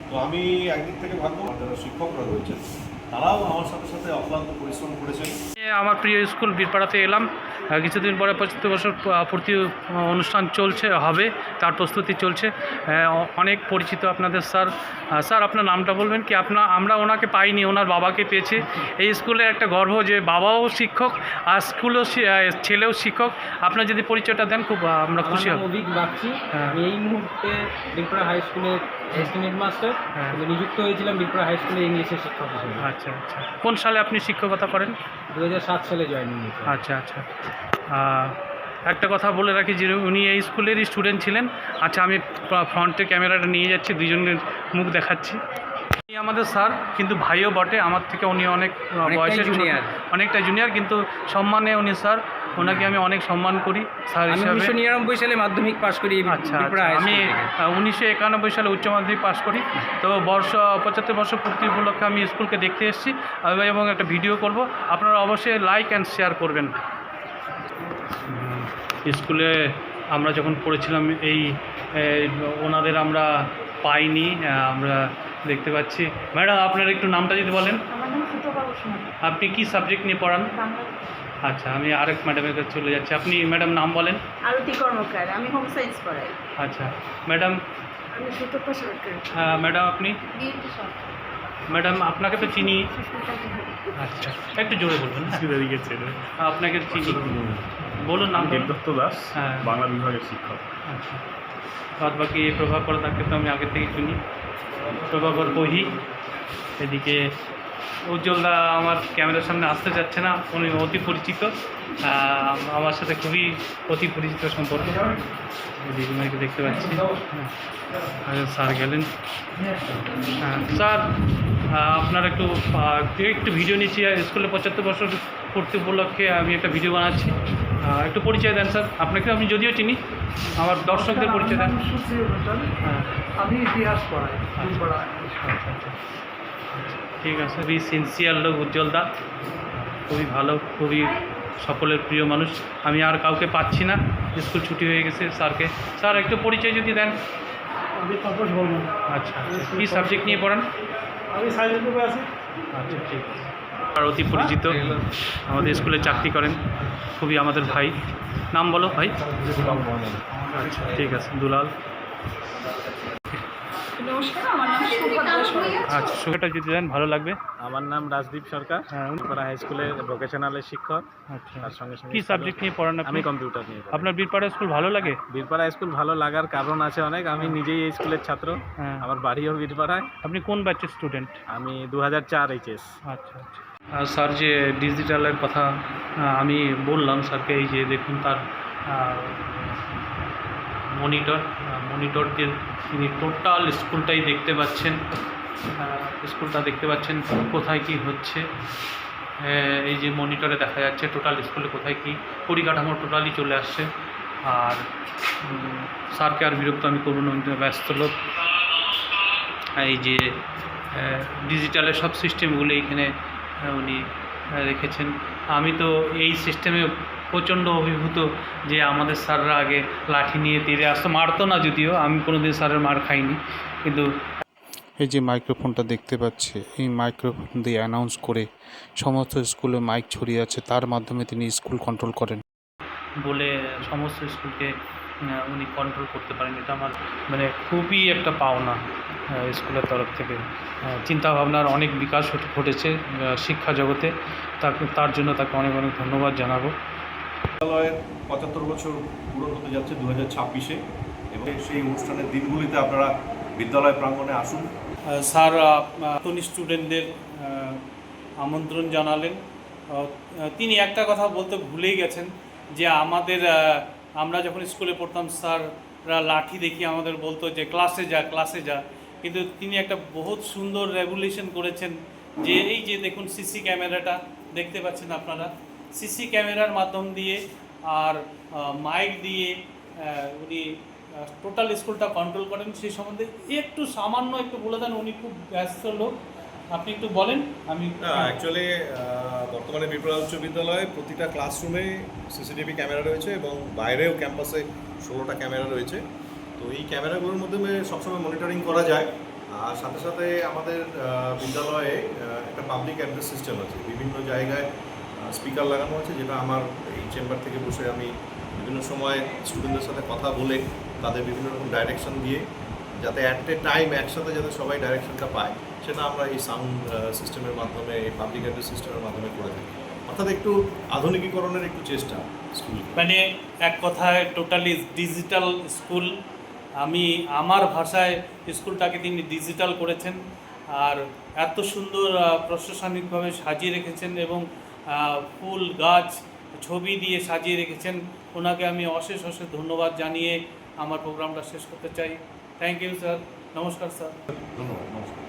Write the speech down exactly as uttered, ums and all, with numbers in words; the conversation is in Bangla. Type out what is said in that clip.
তো আমি একদিক থেকে ভাববো যারা শিক্ষকরা রয়েছেন তারাও আমার সাথে সাথে অক্লান্ত পরিশ্রম করেছেন। আমার প্রিয় স্কুল বীরপাড়াতে এলাম। কিছুদিন পরে পঁচাত্তর বছর পূর্তি অনুষ্ঠান চলছে, হবে, তার প্রস্তুতি চলছে। অনেক পরিচিত আপনাদের স্যার। স্যার আপনার নামটা বলবেন কি? আপনার আমরা ওনাকে পাইনি, ওনার বাবাকে পেয়েছি। এই স্কুলের একটা গর্ব যে বাবাও শিক্ষক আর স্কুলেও ছেলেও শিক্ষক। আপনার যদি পরিচয়টা দেন খুব আমরা খুশি হব। অভিক বাগচি, এই মুহূর্তে বীরপাড়া হাই স্কুলের এস্টিমেট মাস্টার, নিযুক্ত হয়েছিলাম বীরপাড়া হাই স্কুলে ইংলিশের শিক্ষক হিসেবে। আচ্ছা আচ্ছা, কোন সালে আপনি শিক্ষকতা করেন? দু হাজার সাত সালে জয়েন হয়েছি। আচ্ছা আচ্ছা, একটা কথা বলে রাখি যে উনি এই স্কুলেরই স্টুডেন্ট ছিলেন। আচ্ছা, আমি ফ্রন্টে ক্যামেরাটা নিয়ে যাচ্ছি, দুজনের মুখ দেখাচ্ছি। উনি আমাদের স্যার, কিন্তু ভাইও বটে আমার থেকে। উনি অনেক বয়সে জুনিয়র, অনেকটা জুনিয়র, কিন্তু সম্মানে উনি স্যার। ওনাকে আমি অনেক সম্মান করি স্যার হিসাবে। উনিশশো নিরানব্বই সালে মাধ্যমিক পাশ করি। আচ্ছা, আমি উনিশশো একানব্বই সালে উচ্চ মাধ্যমিক পাশ করি। তো বর্ষ পঁচাত্তর বছর পূর্তি উপলক্ষে আমি স্কুলকে দেখতে এসেছি এবং একটা ভিডিও করব। আপনারা অবশ্যই লাইক অ্যান্ড শেয়ার করবেন। স্কুলে আমরা যখন পড়েছিলাম এই ওনাদের আমরা পাইনি, আমরা দেখতে পাচ্ছি। ম্যাডাম আপনার একটু নামটা যদি বলেন। আপনি কি সাবজেক্ট নিয়ে পড়ান? আচ্ছা, আমি আরেক ম্যাডামের কাছে চলে যাচ্ছি। আপনি ম্যাডাম নাম বলেন। আরতি কর্মকার, আমি হোম সায়েন্স পড়াই। আচ্ছা ম্যাডাম। আমি সুতপা সরকার। হ্যাঁ ম্যাডাম, আপনি? ম্যাডাম আপনাকে তো চিনি। আচ্ছা, একটু জোরে বলবেন। আপনাকে চিনি, বলুন নাম। দেবদত্ত দাস, হ্যাঁ, বাংলা বিভাগের শিক্ষক। আচ্ছা, বাদ বাকি প্রভাকর তাকে তো আমি আগে থেকে চিনি। প্রভাকর বহি, এদিকে উজ্জ্বলদা আমার ক্যামেরার সামনে আসতে যাচ্ছে না, উনি অতি পরিচিত, আমার সাথে খুবই অতি পরিচিত সম্পর্ক। দিদিমাকে দেখতে পাচ্ছি। স্যার গেলেন। হ্যাঁ স্যার, আপনার একটু একটু ভিডিও নিচ্ছি। স্কুলে পঁচাত্তর বছর পূর্তি উপলক্ষে আমি একটা ভিডিও বানাচ্ছি, একটু পরিচয় দেন স্যার। আপনাকে আমি যদিও চিনি, আমার দর্শকদের পরিচয় দেন। হ্যাঁ, আমি ইতিহাস পড়াই। আচ্ছা আচ্ছা, ঠিক আছে। খুবই সিনসিয়ার লোক উজ্জ্বলদা, খুবই ভালো, খুবই সকলের প্রিয় মানুষ। আমি আর কাউকে পাচ্ছি না, স্কুল ছুটি হয়ে গেছে। স্যারকে, স্যার একটু পরিচয় যদি দেন। আমি তাপস বর্মন। আচ্ছা, কী সাবজেক্ট নিয়ে পড়ান? আমি সায়েন্স গ্রুপে আছি। আচ্ছা, ঠিক আছে। আর অতি পরিচিত, আমাদের স্কুলে চাকরি করেন, খুবই আমাদের ভাই। নাম বলো ভাই। আচ্ছা, ঠিক আছে। দুলাল। নমস্কার, আমার নাম সুভদ্রা সরকার। আচ্ছা, সুখটা যদি দেন ভালো লাগবে। আমার নাম রাজদীপ সরকার, হ্যাঁ, বীরপাড়া হাই স্কুলের ভোকেশনালের শিক্ষক। আচ্ছা, তার সঙ্গে সঙ্গে কী সাবজেক্ট নিয়ে পড়ান আপনি? আমি কম্পিউটার নিয়ে পড়ি। আপনার বীরপাড়া স্কুল ভালো লাগে? বীরপাড়া স্কুল ভালো লাগার কারণ আছে অনেক। আমি নিজেই এই স্কুলের ছাত্র, হ্যাঁ। আমার বাড়িও বীরপাড়ায়। আপনি কোন ব্যাচের স্টুডেন্ট? আমি দু হাজার চার এইচএস। আচ্ছা আচ্ছা। আর স্যার যে ডিজিটালের কথা আমি বললাম স্যারকে, এই যে দেখুন তার মনিটর মনিটর যে তিনি টোটাল স্কুলটাই দেখতে পাচ্ছেন। স্কুলটা দেখতে পাচ্ছেন কোথায় কি হচ্ছে। এই যে মনিটরে দেখা যাচ্ছে টোটাল স্কুলে কোথায় কি পরিকাঠামো টোটালি চলে আসছে। আর স্যারকে আর বিরক্ত আমি করব না, ব্যস্ত লোক। এই যে ডিজিটালের সব সিস্টেমগুলো এইখানে উনি রেখেছেন। আমি তো এই সিস্টেমে প্রচণ্ড অভিভূত যে আমাদের স্যাররা আগে লাঠি নিয়ে তীরে আসতো, মারতো না যদিও, আমি কোনো দিন স্যারের মার খাইনি, কিন্তু এই যে মাইক্রোফোনটা দেখতে পাচ্ছে, এই মাইক্রোফোন দিয়ে অ্যানাউন্স করে সমস্ত স্কুলে মাইক ছড়িয়ে আছে, তার মাধ্যমে তিনি স্কুল কন্ট্রোল করেন বলে সমস্ত স্কুলকে উনি কন্ট্রোল করতে পারেন। এটা আমার মানে খুবই একটা পাওনা স্কুলের তরফ থেকে। চিন্তাভাবনার অনেক বিকাশ ঘটেছে শিক্ষা জগতে, তাকে তার জন্য তাকে অনেক অনেক ধন্যবাদ জানাবো। বিদ্যালয়ের পঁচাত্তর বছর পূরণ হতে যাচ্ছে দু হাজার ছাব্বিশে, এবং সেই অনুষ্ঠানের দিনগুলিতে আপনারা বিদ্যালয় প্রাঙ্গণে আসুন। স্যার নতুন স্টুডেন্টদের আমন্ত্রণ জানালেন। তিনি একটা কথা বলতে ভুলেই গেছেন যে আমাদের আমরা যখন স্কুলে পড়তাম স্যাররা লাঠি দেখি আমাদের বলতো যে ক্লাসে যা ক্লাসে যা, কিন্তু তিনি একটা বহুত সুন্দর রেভলিউশন করেছেন। যে এই যে দেখুন সিসি ক্যামেরাটা দেখতে পাচ্ছেন আপনারা, সিসি ক্যামেরার মাধ্যম দিয়ে আর মাইক দিয়ে উনি টোটাল স্কুলটা কন্ট্রোল করেন। সেই সম্বন্ধে একটু সামান্য একটু বলে দেন, উনি খুব ব্যস্ত লোক, আপনি একটু বলেন। আমি অ্যাকচুয়ালি বর্তমানে বীরপাড়া উচ্চ বিদ্যালয়ে প্রতিটা ক্লাসরুমে সিসিটিভি ক্যামেরা রয়েছে এবং বাইরেও ক্যাম্পাসে ষোলোটা ক্যামেরা রয়েছে। তো এই ক্যামেরাগুলোর মাধ্যমে সবসময় মনিটরিং করা যায় আর সাথে সাথে আমাদের আহ, বিদ্যালয়ে আহ, একটা পাবলিক অ্যাড্রেস সিস্টেম আছে, বিভিন্ন জায়গায় স্পিকার লাগানো আছে, যেটা আমার এই চেম্বার থেকে বসে আমি বিভিন্ন সময় স্টুডেন্টদের সাথে কথা বলে তাদের বিভিন্ন রকম ডাইরেকশন দিয়ে যাতে অ্যাট এ টাইম একসাথে যাতে সবাই ডাইরেকশনটা পায়, সেটা আমরা এই সাউন্ড সিস্টেমের মাধ্যমে, এই পাবলিক অ্যাড্রেস সিস্টেমের মাধ্যমে করে থাকি। অর্থাৎ একটু আধুনিকীকরণের একটু চেষ্টা স্কুল। মানে এক কথায় টোটালি ডিজিটাল স্কুল। আমি আমার ভাষায় স্কুলটাকে তিনি ডিজিটাল করেছেন, আর এত সুন্দর আহ, প্রশাসনিকভাবে সাজিয়ে রেখেছেন এবং আহ, ফুল গাছ ছবি দিয়ে সাজিয়ে রেখেছেন। ওনাকে আমি অশেষ অশেষ ধন্যবাদ জানিয়ে আমার প্রোগ্রামটা শেষ করতে চাই। Thank you sir. নমস্কার স্যার। ধন্যবাদ, নমস্কার।